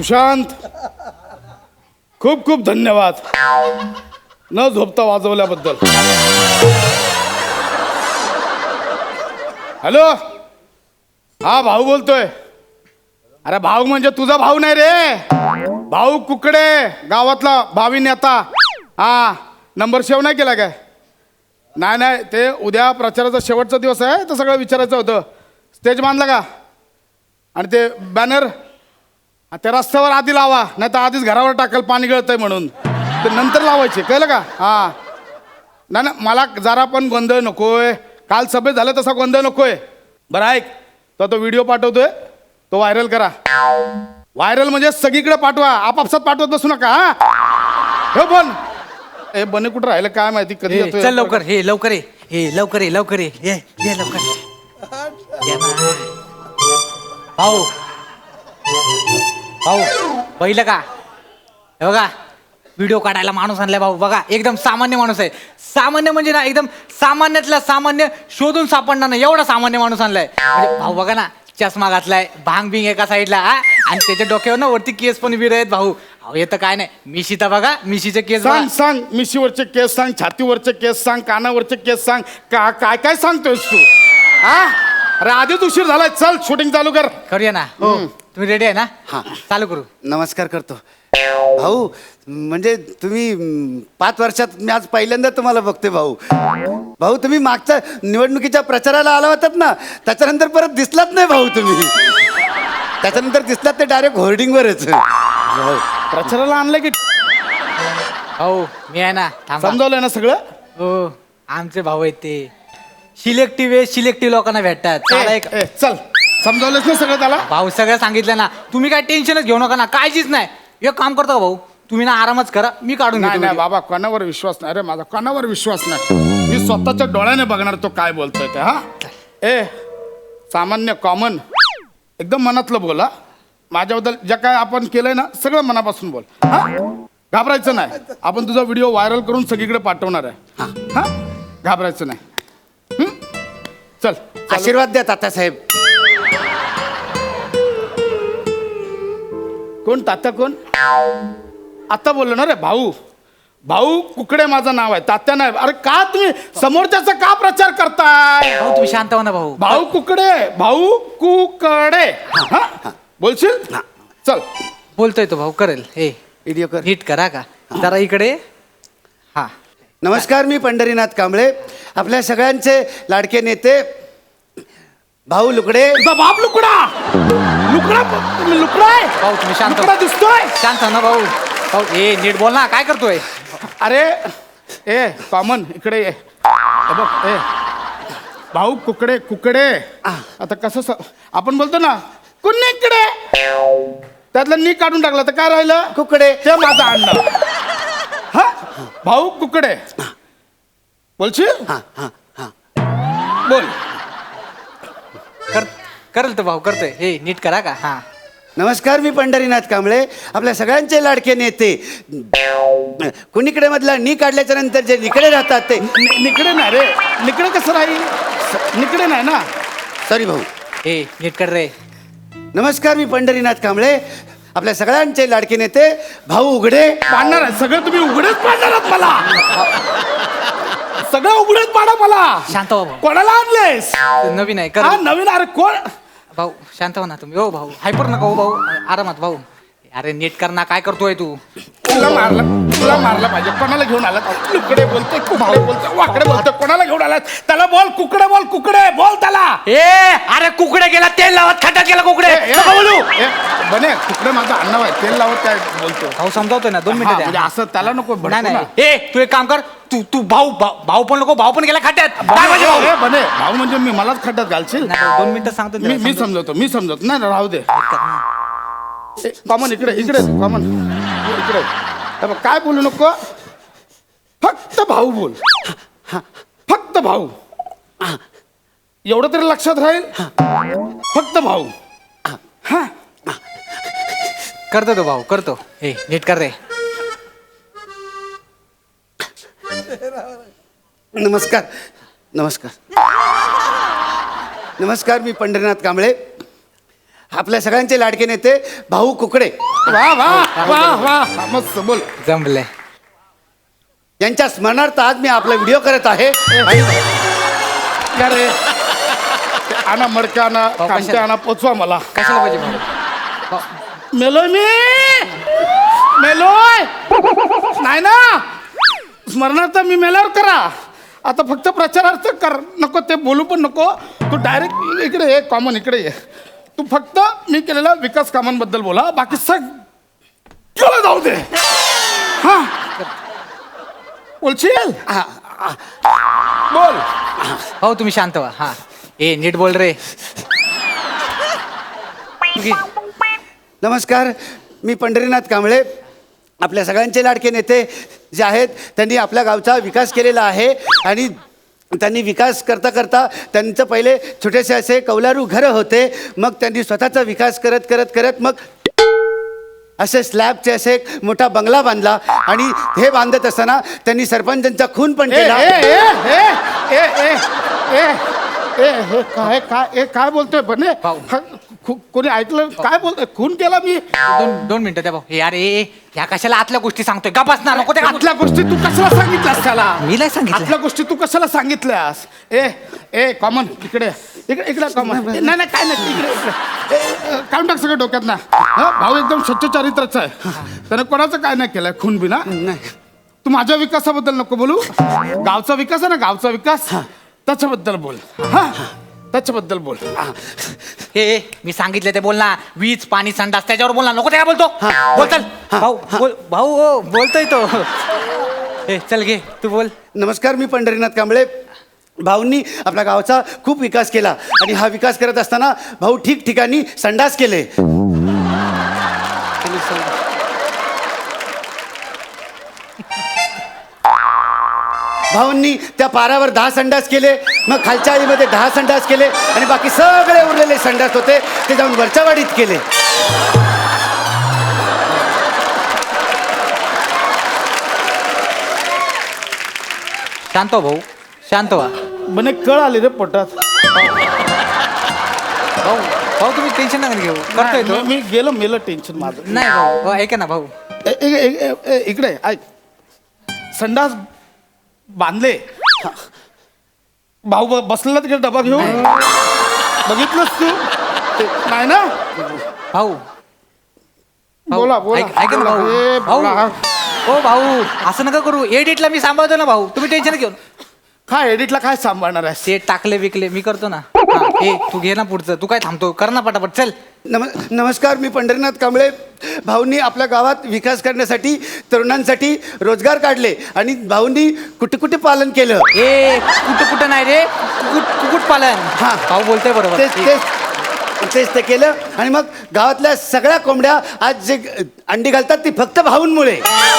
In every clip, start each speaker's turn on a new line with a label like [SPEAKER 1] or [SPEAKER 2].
[SPEAKER 1] सुशांत, खूप खूप धन्यवाद न झोपता वाजवल्याबद्दल. हॅलो, हा भाऊ बोलतोय. अरे भाऊ म्हणजे तुझा भाऊ नाही रे, भाऊ कुकडे, गावातला भावी नेता. हा, नंबर सेव्ह नाही केला काय? नाही नाही, ते उद्या प्रचाराचा शेवटचा दिवस आहे, तर सगळं विचारायचं होतं. स्टेज बांधला का? आणि ते बॅनर त्या रस्त्यावर आधी लावा, नाही तर आधीच घरावर टाकल पाणी गळतंय म्हणून. ते नंतर लावायचे, कळलं का? हां, नाही ना, मला जरा पण गोंधळ नकोय. काल सभेत झालं तसा गोंधळ नकोय. बरं ऐक, तो व्हिडिओ पाठवतोय, तो व्हायरल करा. व्हायरल म्हणजे सगळीकडे पाठवा, आपापसात पाठवत बसू नका. हा हे बोल. हे बने कुठं राहिलं काय माहिती, कधी येतोय.
[SPEAKER 2] चल लवकर, हे लवकर ये, हे लवकर ये, लवकर ये, ये लवकर ये ना. भाऊ भाऊ पहिलं का हे बघा, व्हिडिओ काढायला माणूस आणलाय भाऊ. बघा एकदम सामान्य माणूस आहे. सामान्य म्हणजे ना एकदम सामान्यातला सामान्य, शोधून सापडणार नाही एवढा सामान्य माणूस आणलाय. म्हणजे भाऊ बघा ना, चष्मा घातलाय, भांग बिंग एका साईडला, आणि त्याच्या डोक्यावर ना वरती केस पण विर आहेत भाऊ. अहो येतं काय नाही, मिशी तर बघा, मिशीचे केस
[SPEAKER 1] सांग सांग, मिशीवरचे केस सांग, छातीवरचे केस सांग, कानावरचे केस सांग, काय काय सांगतोयस तू? हा, अरे आधीच उशीर झालाय, चल शूटिंग चालू कर.
[SPEAKER 2] करूया ना. हो, तुम्ही रेडी आहे ना?
[SPEAKER 3] हां.
[SPEAKER 2] चालू करू.
[SPEAKER 3] नमस्कार करतो भाऊ. म्हणजे तुम्ही 5 वर्षात मी आज पहिल्यांदा तुम्हाला बघते भाऊ. भाऊ तुम्ही मागच्या निवडणुकीच्या प्रचाराला आला होतात ना, त्याच्यानंतर परत दिसलात नाही भाऊ तुम्ही. त्याच्यानंतर दिसलात ते डायरेक्ट होर्डिंगवरच. भाऊ
[SPEAKER 1] प्रचाराला आणलं की
[SPEAKER 2] हो, मी आहे ना. थांबा.
[SPEAKER 1] समजावलंय ना सगळं?
[SPEAKER 2] हो, आमचे भाऊ आहेत ते. सिलेक्टिव्ह लोकांना भेटतात. चला एक
[SPEAKER 1] चल, समजावलंच ना सगळं त्याला?
[SPEAKER 2] भाऊ सगळं सांगितलं ना, तुम्ही काय टेन्शनच घेऊ नका ना, काळजीच नाही. एक काम करतो का भाऊ, तुम्ही ना आरामच करा, मी काढून
[SPEAKER 1] नाही
[SPEAKER 2] घेतो
[SPEAKER 1] नाही
[SPEAKER 2] video.
[SPEAKER 1] बाबा, कोणावर विश्वास नाही रे माझा, कोणावर विश्वास नाही. मी स्वतःच्या डोळ्याने बघणार तो काय बोलतोय ते. हा, ए सामान्य कॉमन एकदम मनातलं बोला. माझ्याबद्दल ज्या काय आपण केलंय ना, सगळं मनापासून बोल. हा, घाबरायचं नाही. आपण तुझा व्हिडिओ व्हायरल करून सगळीकडे पाठवणार आहे. हा, घाबरायचं नाही. चल,
[SPEAKER 3] आशीर्वाद द्या तात्यासाहेब.
[SPEAKER 1] कोण तात्या कोण? आता बोललो ना रे भाऊ. भाऊ कुकडे माझं नाव आहे, तात्या नाही. अरे का तुम्ही समोरच्याचा का प्रचार करताय?
[SPEAKER 2] भाऊ तुम्ही शांत हो ना भाऊ.
[SPEAKER 1] भाऊ कुकडे, भाऊ कुकडे. हा, बोलशील? चल.
[SPEAKER 2] बोलतोय तो भाऊ, करेल. हे
[SPEAKER 3] व्हिडिओ कर.
[SPEAKER 2] नीट करा का जरा इकडे. हा,
[SPEAKER 3] नमस्कार, मी पंढरीनाथ कांबळे, आपल्या सगळ्यांचे लाडके नेते भाऊ लुकडे.
[SPEAKER 1] तुझा बाप लुकडा. लुकडा, तुम्ही लुकडा आहे?
[SPEAKER 2] भाऊ तुम्ही शांत हो.
[SPEAKER 1] लुकडा दिसतोय?
[SPEAKER 2] शांत हो ना भाऊ. भाऊ ए नीट बोल ना, काय करतोय?
[SPEAKER 1] अरे ए कॉमन इकडे ये. हे बघ, ए भाऊ कुकडे कुकडे. आता कसं आपण बोलतो ना कुणीकडे, त्यातलं नी काढून टाकलं तर काय राहिलं?
[SPEAKER 3] कुकडे.
[SPEAKER 1] ते माझं आणलं. हा, भाऊ कुकडे. बोलशील?
[SPEAKER 3] हां हां हां.
[SPEAKER 1] बोल.
[SPEAKER 2] करेल तो भाऊ, करतोय. हे नीट करा का. हा,
[SPEAKER 3] नमस्कार, मी पंढरीनाथ कांबळे, आपल्या सगळ्यांचे लाडके नेते. कुणीकडे मधला नी काढल्याच्या नंतर जे निकडे राहतात ते.
[SPEAKER 1] निकडे नाही रे, निकडे कसं राहील? निकडे नाही ना.
[SPEAKER 3] सॉरी भाऊ.
[SPEAKER 2] हे नीट कर रे.
[SPEAKER 3] नमस्कार, मी पंढरीनाथ कांबळे, आपल्या सगळ्यांचे लाडके नेते भाऊ उघडे.
[SPEAKER 1] पाडणार आहे सगळं, तुम्ही उघडेच पाडणार आहात मला. सगळं उघडेच पाडा मला.
[SPEAKER 2] शांत हो भाऊ,
[SPEAKER 1] कोणाला आणलेस?
[SPEAKER 2] नवीन आहे
[SPEAKER 1] हा,
[SPEAKER 2] कर.
[SPEAKER 1] नवीन. अरे कोण?
[SPEAKER 2] भाऊ शांत हो ना तुम्ही. हो भाऊ, हायपर नका हो भाऊ, आरामात भाऊ. अरे नीट कर ना, काय करतोय तू?
[SPEAKER 1] तुला मारला पाहिजे. कोणाला घेऊन आला? कुकडे बोलतोय, कुकडे बोलतोय, वाकडे बोलतोय. कोणाला घेऊन आला? त्याला बोल कुकडे, बोल कुकडे, बोल त्याला.
[SPEAKER 2] ए अरे कुकडे गेला, तेल लावत खड्ड्यात गेला कुकडे. नका बोलू.
[SPEAKER 1] बने कुकडे माझा अण्णा आहे, तेल लावत काय बोलतो?
[SPEAKER 2] भाऊ समजावतोय ना, 2
[SPEAKER 1] हा,
[SPEAKER 2] मिनिटं
[SPEAKER 1] म्हणजे
[SPEAKER 2] द्या.
[SPEAKER 1] असं त्याला नको
[SPEAKER 2] नाही
[SPEAKER 1] भडकू ना.
[SPEAKER 2] नाही, ए तू एक काम कर, तू भाऊ पण नको, भाऊ पण गेला खड्ड्यात. काय म्हणजे भाऊ?
[SPEAKER 1] ए, बने भाऊ म्हणजे मी मलाच खड्ड्यात घालशील?
[SPEAKER 2] नाही भाऊ, 2 मिनिटं सांगतो त्याला,
[SPEAKER 1] मी
[SPEAKER 2] समजावतो.
[SPEAKER 1] समजवतो. नाही राहू दे. कॉमन इकडे कॉमन इकडे. हे बघ, काय बोलू नको, फक्त भाऊ बोल. फक्त भाऊ, एवढं तरी लक्षात राहील. फक्त भाऊ. हा,
[SPEAKER 2] करतो तो भाऊ, करतो. हे नीट कर रे.
[SPEAKER 3] नमस्कार. नमस्कार. नमस्कार, मी पंढरीनाथ कांबळे, आपल्या सगळ्यांचे लाडके नेते भाऊ कुकडे
[SPEAKER 1] वा वा वा वा मस्त बोल.
[SPEAKER 2] जमलंय.
[SPEAKER 3] यांच्या स्मरणार्थ आज मी आपला व्हिडिओ करत आहे.
[SPEAKER 1] या रे ते आणा मडक्या आणा
[SPEAKER 2] भाऊ,
[SPEAKER 1] कांटे
[SPEAKER 2] कशाला?
[SPEAKER 1] आणा पोचवा मला.
[SPEAKER 2] कशाला पाहिजे भाऊ? भाऊ,
[SPEAKER 1] मेलोय मी मेलोय नाही ना स्मरणार्थ मी मेल्यावर करा. आता फक्त प्रचारार्थ कर नको ते बोलू पण नको. तू डायरेक्ट इकडे ये कॉमन इकडे ये. तू फक्त मी केलेल्या विकास कामांबद्दल बोला बाकी सगळं जाऊ दे. हा बोलशील बोल.
[SPEAKER 2] भाऊ तुम्ही शांत व्हा. हा ए नीट बोल रे.
[SPEAKER 3] नमस्कार, मी पंढरीनाथ कांबळे. आपल्या सगळ्यांचे लाडके नेते जे आहेत त्यांनी आपल्या गावचा विकास केलेला आहे आणि त्यांनी विकास करता करता त्यांचं पहिले छोटेसे असे कौलारू घरं होते. मग त्यांनी स्वतःचा विकास करत करत करत मग असे स्लॅबचे असे एक मोठा बंगला बांधला आणि हे बांधत असताना त्यांनी सरपंचांचा खून पण
[SPEAKER 1] ए
[SPEAKER 3] केला.
[SPEAKER 1] ए ए ए ए ए ए ए हे काय काय ए काय बोलतोय बने
[SPEAKER 2] भाऊ.
[SPEAKER 1] कोणी ऐकलं काय बोलतोय? खून केला मी?
[SPEAKER 2] दोन मिनिटं द्या भाऊ. हे यार ए ह्या कशाला आतल्या गोष्टी सांगतोय? गपास ना नको ते.
[SPEAKER 1] आतल्या गोष्टी तू कशाला सांगितल्यास त्याला?
[SPEAKER 2] मी नाही सांगितलं.
[SPEAKER 1] आतल्या गोष्टी तू कशाला सांगितल्यास? ए ए कॉमन इकडे इकडे इकडे कॉमन. नाही नाही काय नाही इकडे इकडे काढून टाक सगळं डोक्यात ना. भाऊ एकदम स्वच्छ चारित्र्याचा आहे. त्याने कोणाचं काय नाही केलंय खून बी ना. तू माझ्या विकासाबद्दल नको बोलू. गावचा विकास आहे ना गावचा विकास त्याच्याबद्दल बोल. हा त्याच्याबद्दल बोल.
[SPEAKER 2] हे मी सांगितलं ते बोल ना. वीज पाणी संडास त्याच्यावर बोल ना. नको ते काय बोलतो? बोल चल भाऊ. बोल भाऊ. हो बोलतोय तो. ए चल घे तू बोल.
[SPEAKER 3] नमस्कार, मी पंढरीनाथ कांबळे. भाऊंनी आपल्या गावचा खूप विकास केला आणि हा विकास करत असताना भाऊ ठिकठिकाणी संडास केले. भाऊंनी त्या पारावर 10 संडास केले, मग खालच्या आळीमध्ये 10 संडास केले आणि बाकी सगळे उरलेले संडास होते ते जाऊन वरच्या वाडीत केले.
[SPEAKER 2] शांत हो भाऊ. शांत व्हा
[SPEAKER 1] बने कळ आली रे पोटात.
[SPEAKER 2] भाऊ. भाऊ तुम्ही टेन्शन नका घेऊ. करतोय तो.
[SPEAKER 1] मी गेलो मेलं टेन्शन माझं.
[SPEAKER 2] नाही भाऊ. भाऊ, ऐका ना भाऊ.
[SPEAKER 1] इकडे ऐक. संडास बांधले. भाऊ बसलेला तिकडे डबा घेऊन बघितलंस तू नाही ना.
[SPEAKER 2] भाऊ.
[SPEAKER 1] बोला बोला
[SPEAKER 2] ऐका ना भाऊ.
[SPEAKER 1] ए,
[SPEAKER 2] भाऊ.
[SPEAKER 1] बोला.
[SPEAKER 2] ओ भाऊ असं नका करू. एडिटला मी सांभाळतो ना भाऊ. तुम्ही टेन्शन घेऊन.
[SPEAKER 1] काय एडिटला काय सांभाळणार आहे?
[SPEAKER 2] ते टाकले विकले मी करतो ना. हा, ए तू घे ना पुढचं. तू काय थांबतो? कर ना पटापट चल.
[SPEAKER 3] नमस्कार, मी पंढरीनाथ कांबळे. भाऊंनी आपल्या गावात विकास करण्यासाठी तरुणांसाठी रोजगार काढले आणि भाऊंनी कुठे कुठे पालन केलं.
[SPEAKER 2] ए कुठं कुठं नाही रे. कुकुट पालन.
[SPEAKER 3] हा.
[SPEAKER 2] भाऊ बोलतोय बरोबर.
[SPEAKER 3] तेच ते केलं आणि मग गावातल्या सगळ्या कोंबड्या आज जे अंडी घालतात ती फक्त भाऊंमुळे.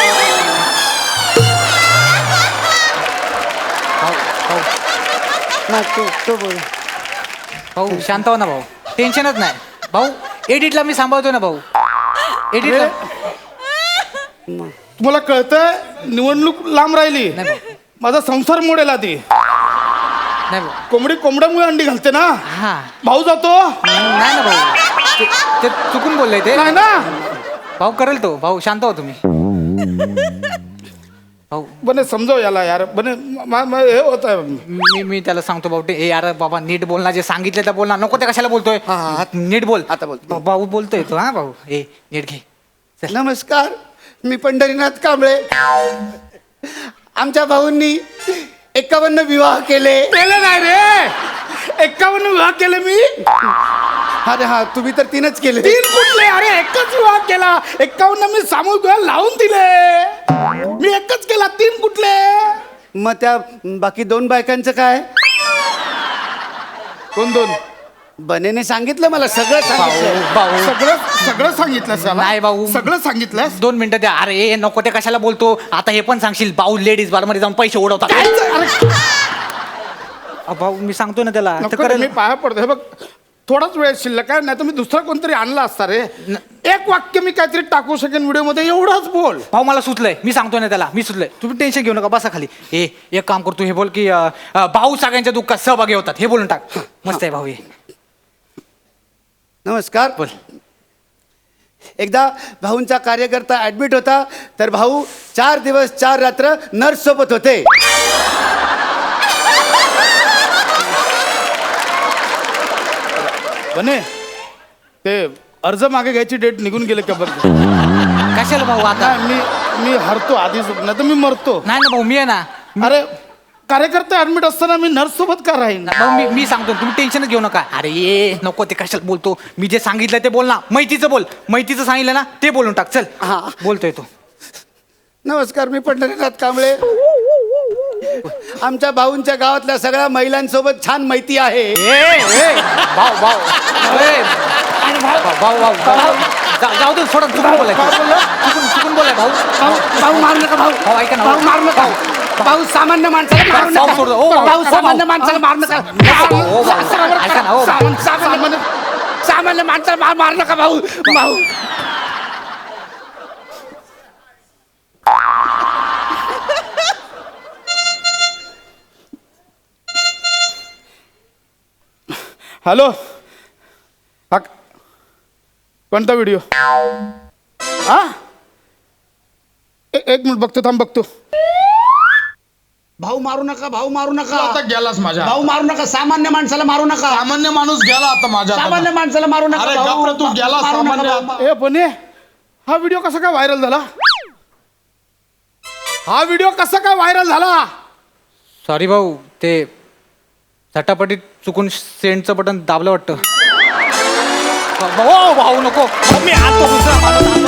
[SPEAKER 3] तो बोल.
[SPEAKER 2] भाऊ शांत हो ना भाऊ. टेन्शनच नाही भाऊ. एडिटला मी सांभाळतो ना भाऊ. एडिटला
[SPEAKER 1] तुम्हाला कळतंय निवडणूक लांब राहिली.
[SPEAKER 2] नाही भाऊ.
[SPEAKER 1] माझा संसार मोडेल आधी.
[SPEAKER 2] नाही भाऊ.
[SPEAKER 1] कोंबडी कोंबड्यामुळे अंडी घालते ना.
[SPEAKER 2] हा
[SPEAKER 1] भाऊ जातो
[SPEAKER 2] नाही ना भाऊ. ते चुकून बोललंय ते.
[SPEAKER 1] नाही ना.
[SPEAKER 2] भाऊ करेल तो. भाऊ शांत हो तुम्ही. भाऊ
[SPEAKER 1] बने समजाव याला यार. बने हे होत आहे.
[SPEAKER 2] मी त्याला सांगतो भाऊ. ए यार बाबा नीट बोल ना. जे सांगितलं तर बोल ना. नको ते कशाला बोलतोय? नीट बोल.
[SPEAKER 3] आता बोलतो.
[SPEAKER 2] भाऊ बोलतोय तो. हा भाऊ. ए नीट घे.
[SPEAKER 3] नमस्कार, मी पंढरीनाथ कांबळे. आमच्या भाऊंनी 51 विवाह केले.
[SPEAKER 1] केलं नाही रे. 51 विवाह केले मी.
[SPEAKER 3] अरे हा, तुम्ही तर 3च केले.
[SPEAKER 1] 3 कुठले? अरे एकच विवाह केला. 51 मी सामूहिक विवाह लावून दिले. मी एकच केला. 3 कुठले?
[SPEAKER 3] मग त्या बाकी 2 बायकांचं काय?
[SPEAKER 1] कोण 2?
[SPEAKER 3] बनेने सांगितलं मला सगळं सांगितलं.
[SPEAKER 2] भाऊ
[SPEAKER 1] सगळं सगळं सांगितलंस याला?
[SPEAKER 2] नाही भाऊ.
[SPEAKER 1] सगळं सांगितलंस.
[SPEAKER 2] 2 मिनिटं द्या. अरे ए नको ते कशाला बोलतो? आता हे पण सांगशील भाऊ लेडीज बार मध्ये जाऊन पैसे उडवतात.
[SPEAKER 1] अरे
[SPEAKER 2] भाऊ मी सांगतो ना त्याला.
[SPEAKER 1] नको रे, मी पाया पडतो. हे बघ थोडाच वेळ शिल्लक आहे. नाही तर मी दुसरा कोणतरी आणला असता रे. एक वाक्य मी काहीतरी टाकू शकेन व्हिडिओ मध्ये. एवढंच बोल.
[SPEAKER 2] भाऊ मला सुचलंय. मी सांगतो ना त्याला. मी सुचलंय. तुम्ही टेन्शन घेऊ नका. बसा खाली. एक काम करतो. हे बोल की भाऊ सगळ्यांच्या दुःखात सहभागी होतात. हे बोलून टाक. मस्त आहे भाऊ हे.
[SPEAKER 3] नमस्कार.
[SPEAKER 2] बोल.
[SPEAKER 3] एकदा भाऊंचा कार्यकर्ता ऍडमिट होता, तर भाऊ 4 दिवस 4 रात्र नर्स सोबत होते.
[SPEAKER 1] बने ते अर्ज मागे घ्यायची डेट निघून गेले का बरं?
[SPEAKER 2] कशाला भाऊ आता?
[SPEAKER 1] नाही, मी हरतो आधीच, नाही तर मी मरतो.
[SPEAKER 2] नाही ना भाऊ, मी आहे ना.
[SPEAKER 1] अरे कार्यकर्ता ऍडमिट असताना मी नर्स सोबत का राहीन?
[SPEAKER 2] भाऊ मी सांगतो, तुम्ही टेन्शनच घेऊ नका. अरे ये नको ते कशाला बोलतो. मी जे सांगितलं ते बोल ना. मैतीचं बोल. मैतीचं सांगितलं ना ते बोलून टाक. चल.
[SPEAKER 3] हा.
[SPEAKER 2] बोलतोय तो.
[SPEAKER 3] नमस्कार, मी पंढरीनाथ कांबळे. आमच्या भाऊंच्या गावातल्या सगळ्या महिलांसोबत छान मैती आहे.
[SPEAKER 2] भाऊ भाऊ ए, भाऊ भाऊ भाऊ जाऊ दे, सोडा. चुकून बोलाय, चुकून बोलाय भाऊ.
[SPEAKER 3] भाऊ मारू नका भाऊ.
[SPEAKER 2] भाऊ ऐका ना.
[SPEAKER 3] भाऊ मारू नका. भाऊ सामान्य माणसाला मारू
[SPEAKER 2] भाऊ
[SPEAKER 3] नका.
[SPEAKER 2] सोडतो. ओ, भाऊ,
[SPEAKER 3] भाऊ
[SPEAKER 2] ओ,
[SPEAKER 3] सामान्य
[SPEAKER 2] भाऊ.
[SPEAKER 3] माणसाला मारू नका.
[SPEAKER 2] ओ, भाऊ. ऐका ना, ओ, भाऊ.
[SPEAKER 3] सामान्य माणसाला मारू नका भाऊ. भाऊ
[SPEAKER 1] हॅलो, हा कोणता व्हिडिओ? हा एक मिनिट बघतो, थांब बघतो.
[SPEAKER 4] भाऊ मारू नका, भाऊ मारू
[SPEAKER 5] तू
[SPEAKER 4] नका,
[SPEAKER 5] आता गेलास माझ्या
[SPEAKER 4] भाऊ मारू नका. सामान्य माणसाला मारू नका.
[SPEAKER 5] सामान्य माणूस गेला आता माझ्या
[SPEAKER 4] सामान्य
[SPEAKER 5] हातातून.
[SPEAKER 4] माणसाला मारू नका.
[SPEAKER 5] अरे
[SPEAKER 4] भाऊ.
[SPEAKER 5] गप्प रे, तू गेला
[SPEAKER 4] मारू नका,
[SPEAKER 5] सामान्य.
[SPEAKER 4] भाऊ.
[SPEAKER 1] ए बने, हा व्हिडिओ कसा काय व्हायरल झाला? हा व्हिडिओ कसा काय व्हायरल झाला?
[SPEAKER 2] सॉरी भाऊ, ते झटापटीत चुकून सेंडचं बटन दाबलं वाटतं. भाऊ नको. मी आणतो दुसरा माणूस.